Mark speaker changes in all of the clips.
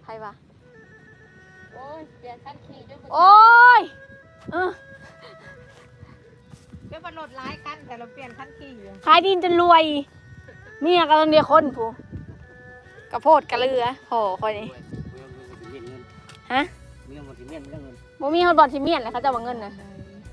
Speaker 1: รวะ
Speaker 2: โอ้ยเปลี่ยนคันขี่ด้วย
Speaker 1: โอ้ย
Speaker 2: เดี๋ยวมันรถร้ายคันแต่เราเปลี่ยนคันขี่อยู่
Speaker 1: ขายดินจนรวยเมียกำลังเดียวคนผู้กระโพดกระเรือโหคอยนี่ฮะบ่มีคนบอลที่เมียนเลยเขาจะเอาเงินนะ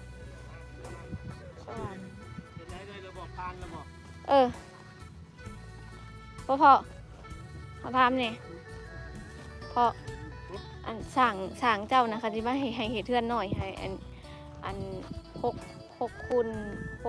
Speaker 1: พ่อเขาทำเนี่ยพ่ออันสั่งเจ้านะคะที่ว่าให้เหตุเทือนหน่อยให้อันหกคูณ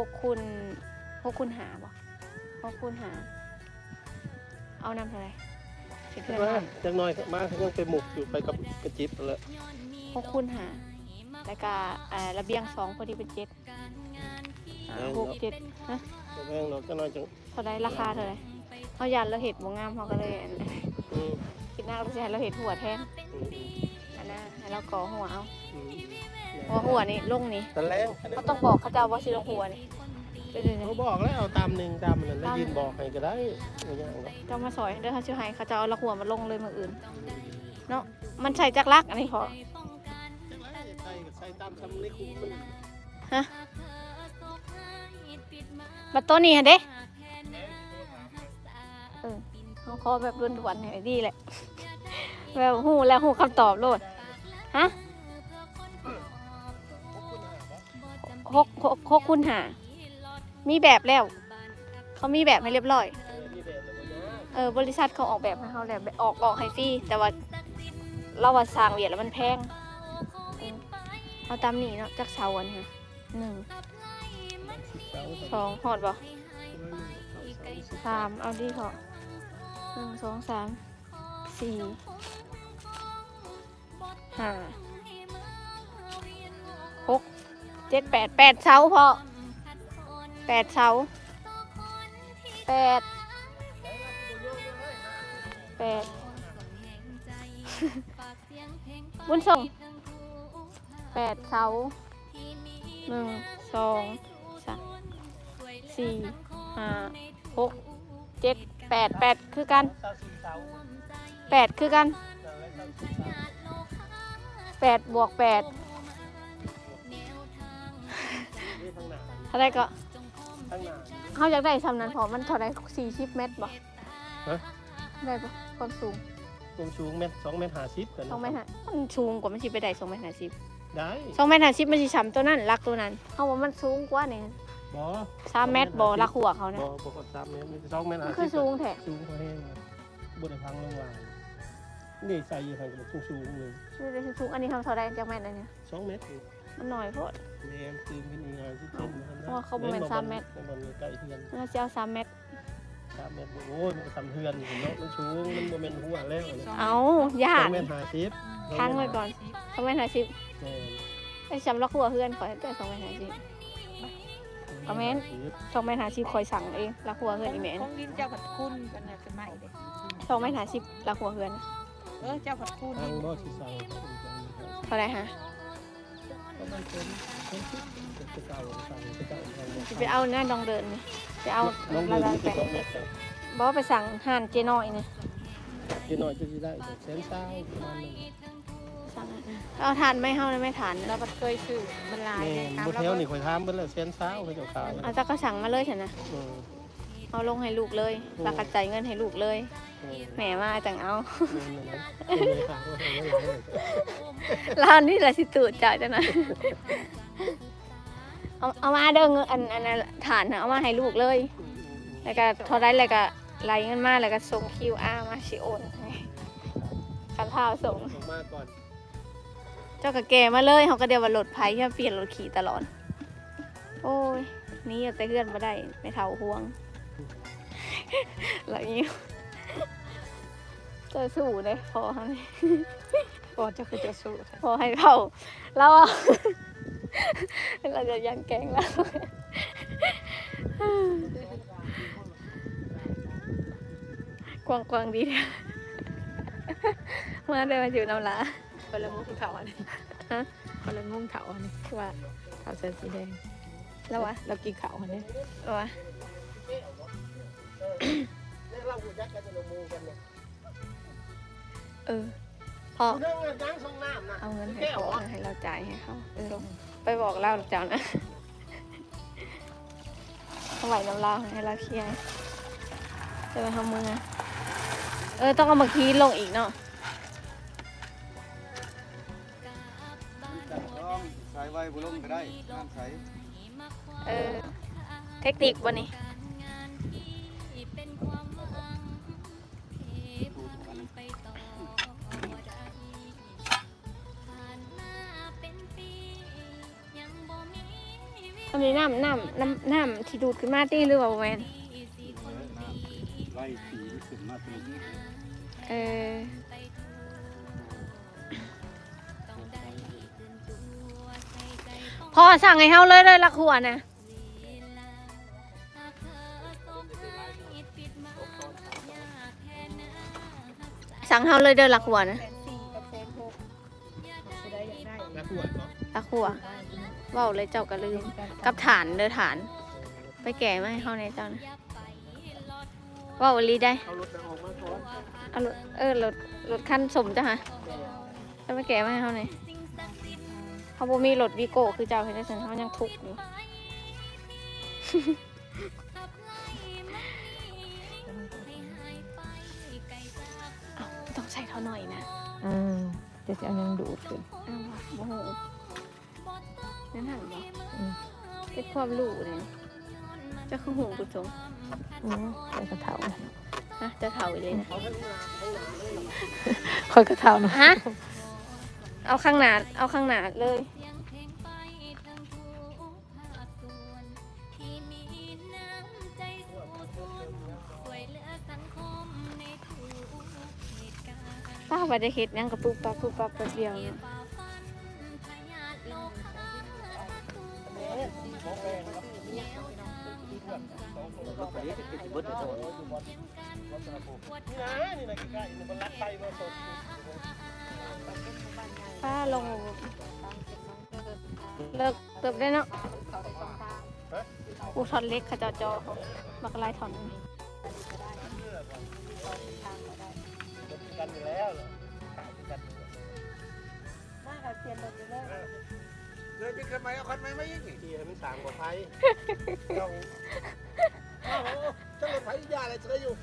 Speaker 1: หาบ่6 คูณ 5เอานำเท่าไหร่เหตุเทือน
Speaker 3: จังน้อยมายังไปหมุกอยู่ไปกับกระจิบเลย
Speaker 1: 6 คูณ 5แล้วก็ระเบียง2พอดีเป็น7 6 7นะ
Speaker 3: แพงเราจังน้อยจัง
Speaker 1: เท่าไรราคาเท่าไรเขายันเราเห็ดบ่งามเขาก็เลยคิดหน้าเราจะให้เราเห็ดหัวแทนอันนั้นให้เราก่อหัวเอาหัวนี่ลงนี่เขาต้องบอกเขาจะว่าสิลงหัวนี่
Speaker 3: เขาบอกแล้วเอาตามหนึ่งตามนั้นแล้วยืนบอกให้ก็ได้
Speaker 1: จะมาสอยเด้อเขาชื่อให้เขาจะเอาละหัวมาลงเลยมืออื่นเนาะมันใส่จักรักอันนี้พอ
Speaker 3: ใส่ตามคำนี้คุ้มมัน
Speaker 1: ฮะบัตรตัวนี้ฮะเด้เขาขอแบบด่วนๆหน่อยดีแหละแบบหูแล้วหูคำตอบโลดฮะ6 คูณ 5มีแบบแล้วเขามีแบบให้เรียบร้อยบริษัทเขาออกแบบให้เขาแล้วออกให้ฟรีแต่ว่าเราว่าสร้างเวียดแล้วมันแพงเอาตามนี้เนาะจากเสาอันนี้1 2หอดบ่3เอาดีพอ1 2 3 4 5 6 7 8เสาพอ8เสา8บุญส่ง8เสา1 2 3 4 5 6 7 8คือกัน8คือกัน8 บวก 8เท่าไรก็เขาอยากได้ซ้ำนั้นพอมันเท่าไร40 เมตรบ่ได้ปะความสูง
Speaker 3: เมตร2 เมตร 50กัน
Speaker 1: 2 เมตรมันสูงกว่ามันสิไปได้2 เมตร 50
Speaker 3: ได้
Speaker 1: 2 เมตร 50มันสิซ้ำตัวนั้นรักตัวนั้นเขาว่ามันสูงกว่านี่
Speaker 3: บ่
Speaker 1: 3 เมตรบ่รักหัวเขาเนี่ย
Speaker 3: บ่กด3 เมตร2 เมตร 50
Speaker 1: คือสูงแท้
Speaker 3: สูงกว่าแห้งบ่ได้พังลงว่านี่ใส่อยู่ข้างกับสูงเลย
Speaker 1: สูงอันนี้ทำเท่าไรจากแมตรอันนี้
Speaker 3: 2 เมตร
Speaker 1: มันหน่อยโพด
Speaker 3: แม่ตื่นขึ้นอีกสิเต็ม
Speaker 1: เพราะว่าเขาประมาณ3 เมตร
Speaker 3: มันใกล้เฮือน
Speaker 1: น่าจะเอา3 เมตร
Speaker 3: โอ้ยมันก็ทำเฮือนเห็นเนาะมันสูงมันโมเมนต์หัวแล้ว
Speaker 1: เอาญาติ
Speaker 3: 2 เมตร 50
Speaker 1: ค้างไว้ก่อน2 เมตร 50ไอ้จำล็อกหัวเฮือนขอให้ได้2 เมตร 50คอมเมนต์2 เมตร 50คอยสั่งเองรักหัวเฮือนอีแม่
Speaker 2: ของดินเจ้าผัดคุณกันนะเป็นใหม่เลย
Speaker 1: 2 เมตร 50รักหัวเฮือน
Speaker 2: เจ้าผัดคุณ
Speaker 3: ทางบ่สิสั่ง
Speaker 1: เท่าไรฮะจะไปเอาหน้าดองเดินนี่จะเอาระดับแปะบอกไปสั่งห่านเจน้อยนี่
Speaker 3: เจน้อยจะได้100,000ประมาณนั้น
Speaker 1: สั่งเอาทานไม่เฮาเลยไม่ทาน
Speaker 2: เราเคยซื้อมันลาย
Speaker 3: บ่แถวนี่ข่อยถามเบิ่แล้ว100,000เขาจะขาย
Speaker 1: เอาจักก็สั่งมาเลยฉันนะเอาลงให้ลูกเลยแล้วก็จ่ายเงินให้ลูกเลยแหมมาจังเอาร้านนี่แหละสิตูดจ่ายจังนะเอามาเด้อเงินอันฐานเอามาให้ลูกเลยแล้วก็เท่าไรแล้วก็ไล่เงินมาแล้วก็ส่ง QR มาสิโอนกันเท้าส่ง
Speaker 3: มาก่อน
Speaker 1: เจ้าก็แก่มาเลยเขาก็เดียวว่ารถไผ่ที่เปลี่ยนรถขี่ตลอดโอ้ยนี่แต่เพื่อนมาได้ไม่เท่าห่วงอะไรอย่างนี้จะสู้เลยพอให้
Speaker 2: พอจะคือจะสู้
Speaker 1: พอให้เขาแล้วเราจะยันแกงแล้วกวางดีเนี่ยมาได้มาอยู่น้ำลา
Speaker 2: คนละงุ้งเถาอันนี้คนละงุ้งเถาอันนี้
Speaker 1: ว่า
Speaker 2: เถาเส้นสีแดง
Speaker 1: แล้ววะ
Speaker 2: เรากินเถาอันนี้
Speaker 1: วะพ่อ
Speaker 3: เรื่องเงินล้างส่งน้ำนะ
Speaker 1: เอาเงินให้พ่อให้เราจ่ายให้เขาไปบอกเล่าเจ้านะเอาไหวน้ำเล่าให้เราเคลียร์จะไปทำมือต้องเอามาคีลงอีกเนาะ
Speaker 4: ใช้ไว้บุลงก็ได้น้ำใส
Speaker 1: เทคนิควันนี้อันนี้น้ำที่ดูดขึ้นมาตีหรือเปล่าแมน
Speaker 4: ไล่สีขึ้นมาเป็น
Speaker 1: พ่อสั่งให้เฮาเลยละขวดนะสั่งเฮาเลยเด้อละขวดนะ
Speaker 3: แล้วขวดเนาะ
Speaker 1: ละขวดเว้าเลยเจ้าก็ลืมกับฐานเด้อฐาน ไปแก่มาให้เฮาในเจ้านะเว้าอีหลีได้
Speaker 3: เอารถออกมาก่อน
Speaker 1: เอารถคันสมจ้ะฮะจะไปแก่มาให้เฮาหน่อยเขาบ่มีรถวีโก้คือเจ้าเห็นได้ซั่นเฮายังทุกข์อยู่ ต้องใส่เท่าหน่อยนะ
Speaker 2: จะเอายังดูดขึ้น
Speaker 1: อ้าวโอ้โหนั่นหันบ่เป็นความรู้เลยเจะคือหูกุศล
Speaker 2: โอ้ใส่กระเทา
Speaker 1: ฮะจะเท่าอีกเลยนะ
Speaker 3: เอาข้างหน้าเลย
Speaker 2: คอยกระเทาเนาะ
Speaker 1: ฮะเอาข้างหน้าเลยป้าไปได้เฮ็ดหยังกับปุ๊บปั๊บแป๊บเดียวเนี่ย
Speaker 4: รถไปนี้เป็นสิบเบิร์ดโดน
Speaker 3: นี่นะใกล้ๆมันรัดไปมาสด
Speaker 1: ป้าลงเลิกเติบได้เนาะกูถอนเล็กขจอบักลายถอน
Speaker 3: กันอยู่แล้วเหรอกันมากับเปลี่ยนรถอยู่เลยเลยเป็นคันใหม่เอาคันใหม่มาอีกทีให้มันสางกว่าไฟเราเจ้ารถไฟยาอะไรเชื่ออยู่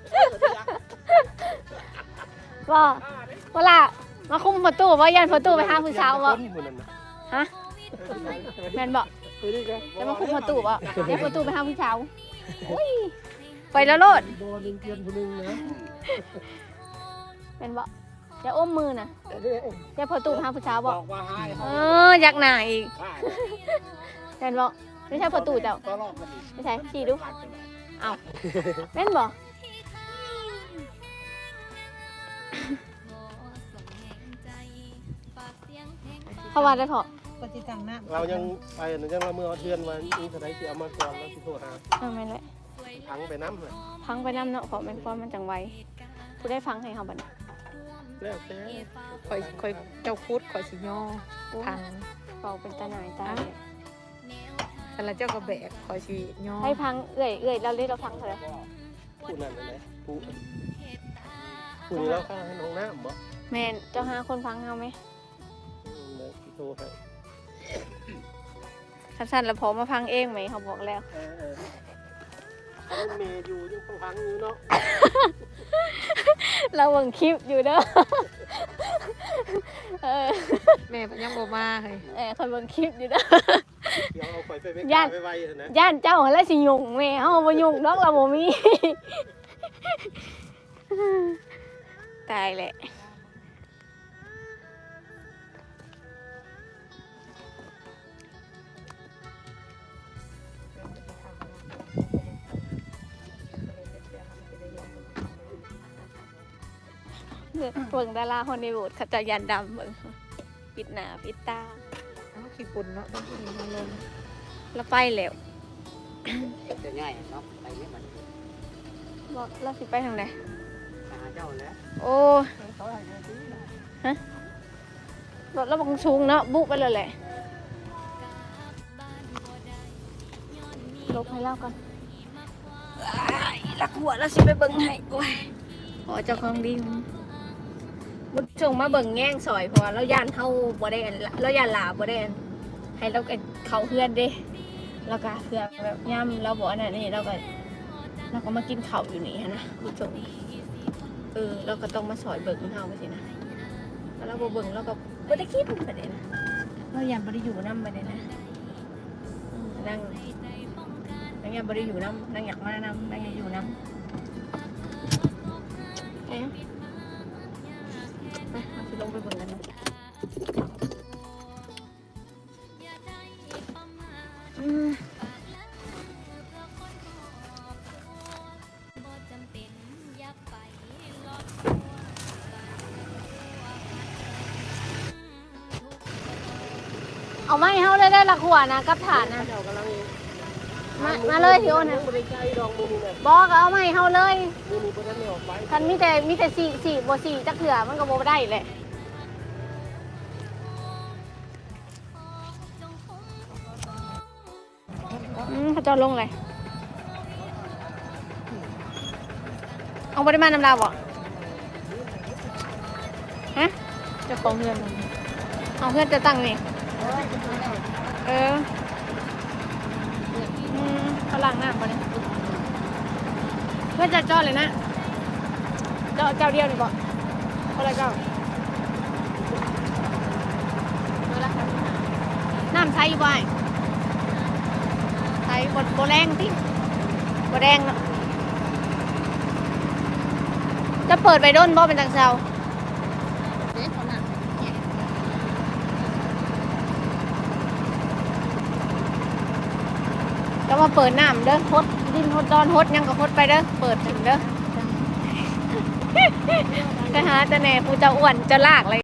Speaker 1: ว่าเวลามาคุมประตูว่ายันประตูไปหาผู้สาวบ่ฮะแม่นบ่จะมาคุมประตูบ่ยันประตูไปหาผู้สาวอุ้ยไปแล้วโลด
Speaker 3: โดนเกินคนนึงนะ
Speaker 1: แม่นบ่จะอ้มมือน่ะจะประตูไปหาผู้สาวบ่
Speaker 3: บอกว่าให้
Speaker 1: อยากหน้าอีกแม่นบ่ไม่ใช่ประตูเจ้า
Speaker 3: ก็รอบกันอีก
Speaker 1: ไม่ใช่ชี้ดูเอ้าแม่นบ่ เขาว่าได้พอ
Speaker 2: ปฏิจังนะ
Speaker 3: เรายังไปหนึ่งยังเราเมื่อเทือนวันนี้สไลด์เสียมาก่อนแล้วที่โทรหา
Speaker 1: แม่นแหละ
Speaker 3: พังไปน้ำเลย
Speaker 1: พังไปน้ำเนาะเพราะแม่นความมันจังไวผู้ได้ฟังให้เขาบัดนี้
Speaker 3: แล้วแต่
Speaker 2: คอยเจ้าคุดคอยสิย่อพัง
Speaker 1: เป่าเป็นตาหน่ายตาเนี่ย
Speaker 2: แต่ละเจ้าก็แบกคอยสิย่อ
Speaker 1: ให้พังเอื่อยเราเรียกเราพังเถอะ
Speaker 3: ผู้นั่นเลยผู้นี่เราข้าให้น้องน้ำบ่
Speaker 1: แม่นเจ้าหาคนฟังเขาไหม
Speaker 3: ที่โทรให้
Speaker 1: สั้นๆแล้วพอมาพังเองไหมเขาบอกแล้ว
Speaker 3: เมย์อยู่ยังต้องพังอยู่เนาะ
Speaker 1: เราเบิ่งคลิปอยู่เด้อ
Speaker 2: แม่ยังบ่มาเลย
Speaker 1: คนเบิ่งคลิปอยู่เด้อ
Speaker 3: เดี๋ยวเอาไปไม่
Speaker 1: ย่าน
Speaker 3: ไปไวนะ
Speaker 1: ย่านเจ้าแล้วสิยุ่งแม่เฮาบ่ยุ่งดอกเราบ่มี ตายแหละเบิ่งดาราฮอลลีวูดเขาจะยันดำเบิ่งปิดหน้าปิดตา
Speaker 2: ขี้ปุ่นเนาะต้องกินมาลง
Speaker 1: แล้วไปแล้ว
Speaker 4: จะง่ายเนาะไปไม่เหมือน
Speaker 1: บอกเราสิไปทางไหน
Speaker 4: หาเจ้าแล้ว
Speaker 1: โอ้ฮะรถเราบังสูงเนาะบุกไปเลยแหละลบให้เล่าก่อนรักหัวแล้วสิไปเบิ่งให้โอ้ยขอเจ้าของดีบุญชงมาเบิ่งแง่งซอยเพราะว่าเราย่านเฮาบ่ได้อันเราย่านหลาบ่ได้อันให้เราก็เข้าเฮือนเด้แล้วก็เพื่อแบบย่ำเราบ่อันนั้นนี่เราก็มากินข้าวอยู่นี่หันนะบุญชงเราก็ต้องมาซอยเบิ่งเฮาไปสินะแล้วเราบ่เบิ่งเราก็บ่ได้คิดประเด็นนะเราย่านบ่ได้อยู่นำประเด็นนะนั่งย่านบ่ได้อยู่นำนั่งอยากมานำนั่งอยากอยู่นำไปเอาสิลงไปเบิ่งกันนะเอาไม้เฮาเลยได้ละขวานะกับฐานนะมาเลยพี่โอนนะบอกเอาไม้เฮาเลยคันมีแต่สี่บ่สี่จักเถื่อมันก็บ่ได้แหละเขาจะลงเลยเอาปริมาณน้ำลาวบ่ฮะ
Speaker 2: เจ้าของเงิน
Speaker 1: เอาเพื่อนจะตั้งนี่เขาล้างหน้ามาเนี่ยเพื่อนจะจอดเลยนะเจ้าเดียวนี่บ่คนละเจ้าน้ำใสอยู่บ่ใสบ่แรงติบ่แรงเนาะจะเปิดไปด้นบ่เป็นจังเซาก็มาเปิดน้ำเด้อฮดดินฮดดอนฮดยังก็ฮดไปเด้อเปิดถึงเด้อ ไปหาแต่แหน่ผู้เจ้าอ้วนจะลากเลย